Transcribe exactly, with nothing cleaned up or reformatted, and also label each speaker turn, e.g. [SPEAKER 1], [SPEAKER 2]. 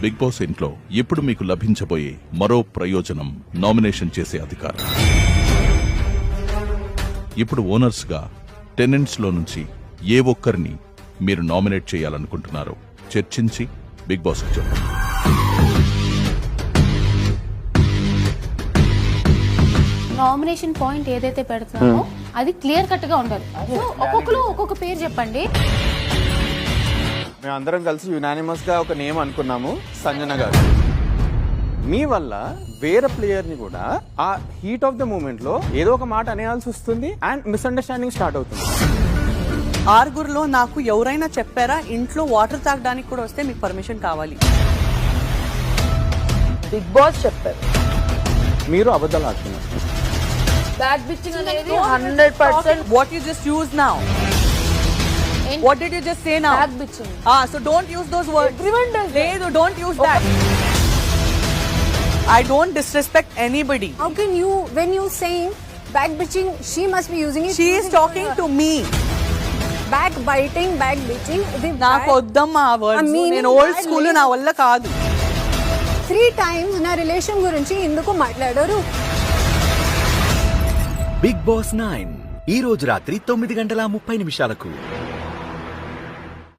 [SPEAKER 1] Big boss ఇంట్లో ఇప్పుడు మీకు లభించబోయే మరో ప్రయోజనం నామినేషన్ చేసే అధికారం. ఇప్పుడు ఓనర్స్ గా టెనెంట్స్ లో నుంచి ఏ ఒక్కరిని మీరు నామినేట్ చేయాలనుకుంటున్నారో చర్చించి బిగ్ బాస్ కు చెప్పండి.
[SPEAKER 2] నామినేషన్ పాయింట్ ఏదైతే పెడుతున్నామో అది క్లియర్ కట్ గా ఉండాలి. సో ఒక్కొక్కరు ఒక్కొక్క పేరు చెప్పండి.
[SPEAKER 3] మేము అందరం కలిసి యునానిమస్ గా ఒక నేమ్ అనుకున్నాము, సంజన గారు. మీ వల్ల వేరే ప్లేయర్ ని కూడా ఆ హీట్ ఆఫ్ ద మూమెంట్ లో ఏదో ఒక మాట అనేయాల్సి వస్తుంది అండ్ మిస్అండర్స్టాండింగ్ స్టార్ట్ అవుతుంది.
[SPEAKER 4] ఆరుగురులో నాకు ఎవరైనా చెప్పారా ఇంట్లో వాటర్ తాగడానికి కూడా వస్తే మీకు పర్మిషన్ కావాలి?
[SPEAKER 5] బిగ్ బాస్ చెప్పారు.
[SPEAKER 3] మీరు అబద్ధాలు ఆడుతున్నారు.
[SPEAKER 5] బ్యాక్ బిచ్చింగ్ అనేది hundred percent.
[SPEAKER 4] What you just use now? What did you just say now?
[SPEAKER 5] Back bitching.
[SPEAKER 4] Ah, so don't use those words.
[SPEAKER 5] Everyone does that.
[SPEAKER 4] Ledu, don't use that. I don't disrespect anybody.
[SPEAKER 6] How can you, when you saying back bitching, she must be using it.
[SPEAKER 4] She is talking to me.
[SPEAKER 6] Back biting, back bitching.
[SPEAKER 4] నాకు వద్దమ్మా ఆ words. నేను old school, నా వల్ల కాదు.
[SPEAKER 6] Three times నా relation గురించి ఎందుకు మాట్లాడారు?
[SPEAKER 7] బిగ్ బాస్ నైన్ ఈ రోజు రాత్రి తొమ్మిది గంటల ముప్పై నిమిషాలకు.